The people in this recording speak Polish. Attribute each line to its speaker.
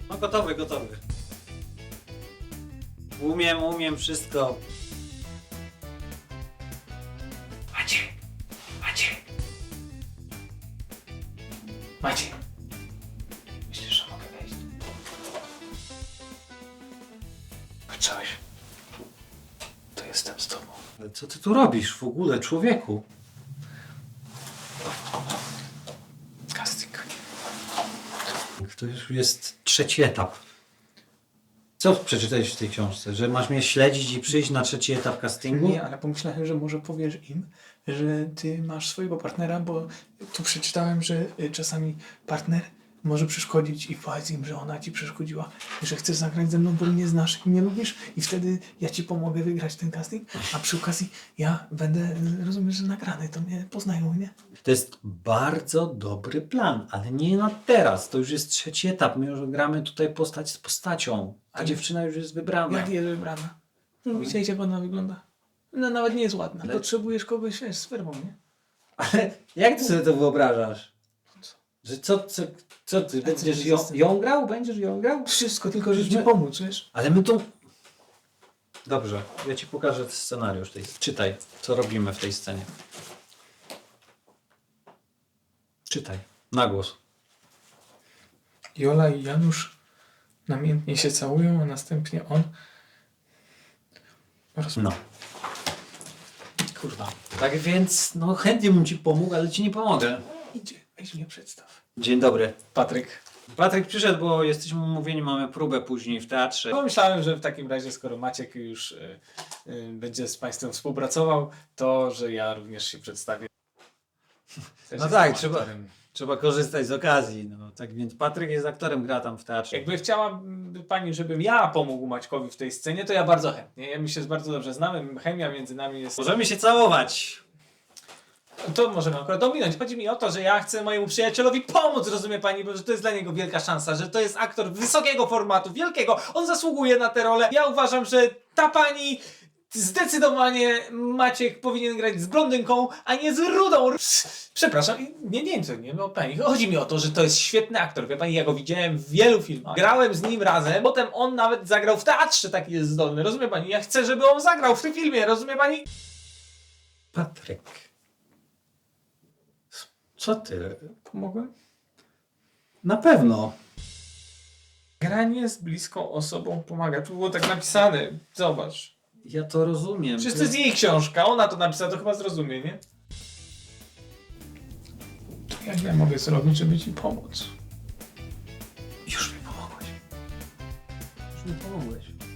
Speaker 1: No gotowy, gotowy. Umiem wszystko.
Speaker 2: Maciek. Myślisz, że mogę wejść? Patrzałeś? To jestem z tobą.
Speaker 1: Ale co ty tu robisz w ogóle, człowieku?
Speaker 2: Casting.
Speaker 1: To już jest trzeci etap. Co przeczytałeś w tej książce? Że masz mnie śledzić i przyjść na trzeci etap castingu?
Speaker 2: Nie, ale pomyślałem, że może powiesz im, że ty masz swojego partnera, bo tu przeczytałem, że czasami partner może przeszkodzić i powiedz im, że ona ci przeszkodziła, że chcesz zagrać ze mną, bo mnie znasz i mnie lubisz i wtedy ja ci pomogę wygrać ten casting, a przy okazji ja będę, rozumiesz, że nagrany, to mnie poznają, nie?
Speaker 1: To jest bardzo dobry plan, ale nie na teraz. To już jest trzeci etap. My już gramy tutaj postać z postacią. Ta
Speaker 2: Ale-
Speaker 1: dziewczyna już jest wybrana.
Speaker 2: Jak jest wybrana? No, widzieliście, jak ona wygląda? No nawet nie jest ładna.
Speaker 1: Ale-
Speaker 2: Potrzebujesz kogoś, wiesz, z fermą, nie?
Speaker 1: Ale jak ty sobie to wyobrażasz? Że co ty będziesz ją grał? Będziesz ją grał?
Speaker 2: Wszystko, tylko żeby
Speaker 1: My-
Speaker 2: ci pomóc, wiesz?
Speaker 1: Ale my tu... Dobrze, ja ci pokażę scenariusz. Czytaj, co robimy w tej scenie. Czytaj, na głos.
Speaker 2: Jola i Janusz namiętnie się całują, a następnie on...
Speaker 1: No. Kurwa. Tak więc, no chętnie bym ci pomógł, ale ci nie pomogę.
Speaker 2: Idzie, weź mnie przedstaw.
Speaker 1: Dzień dobry.
Speaker 2: Patryk.
Speaker 1: Patryk przyszedł, bo jesteśmy umówieni, mamy próbę później w teatrze.
Speaker 2: Pomyślałem, że w takim razie, skoro Maciek już będzie z Państwem współpracował, to że ja również się przedstawię. Też
Speaker 1: No
Speaker 2: jestem
Speaker 1: tak,
Speaker 2: aktorem.
Speaker 1: trzeba korzystać z okazji. No, tak więc Patryk jest aktorem, gra tam w teatrze.
Speaker 2: Jakby chciała Pani, żebym ja pomógł Maćkowi w tej scenie, to ja bardzo chętnie. My się bardzo dobrze znamy, chemia między nami jest...
Speaker 1: Możemy się całować.
Speaker 2: To możemy akurat dominąć. Chodzi mi o to, że ja chcę mojemu przyjacielowi pomóc, rozumie Pani, bo że to jest dla niego wielka szansa, że to jest aktor wysokiego formatu, wielkiego. On zasługuje na tę rolę. Ja uważam, że ta Pani... Zdecydowanie Maciek powinien grać z blondynką, a nie z rudą. Przepraszam, nie, no pani. Chodzi mi o to, że to jest świetny aktor. Wie pani, ja go widziałem w wielu filmach. Grałem z nim razem, potem on nawet zagrał w teatrze, taki jest zdolny. Rozumie pani? Ja chcę, żeby on zagrał w tym filmie, rozumie pani?
Speaker 1: Patryk. Co ty?
Speaker 2: Pomogłem?
Speaker 1: Na pewno.
Speaker 2: Granie z bliską osobą pomaga. Tu było tak napisane. Zobacz.
Speaker 1: Ja to rozumiem.
Speaker 2: Przecież to jest jej książka, ona to napisała, to chyba zrozumie, nie? Jak ja mogę zrobić, żeby ci pomóc?
Speaker 1: Już mi pomogłeś. Już mi pomogłeś.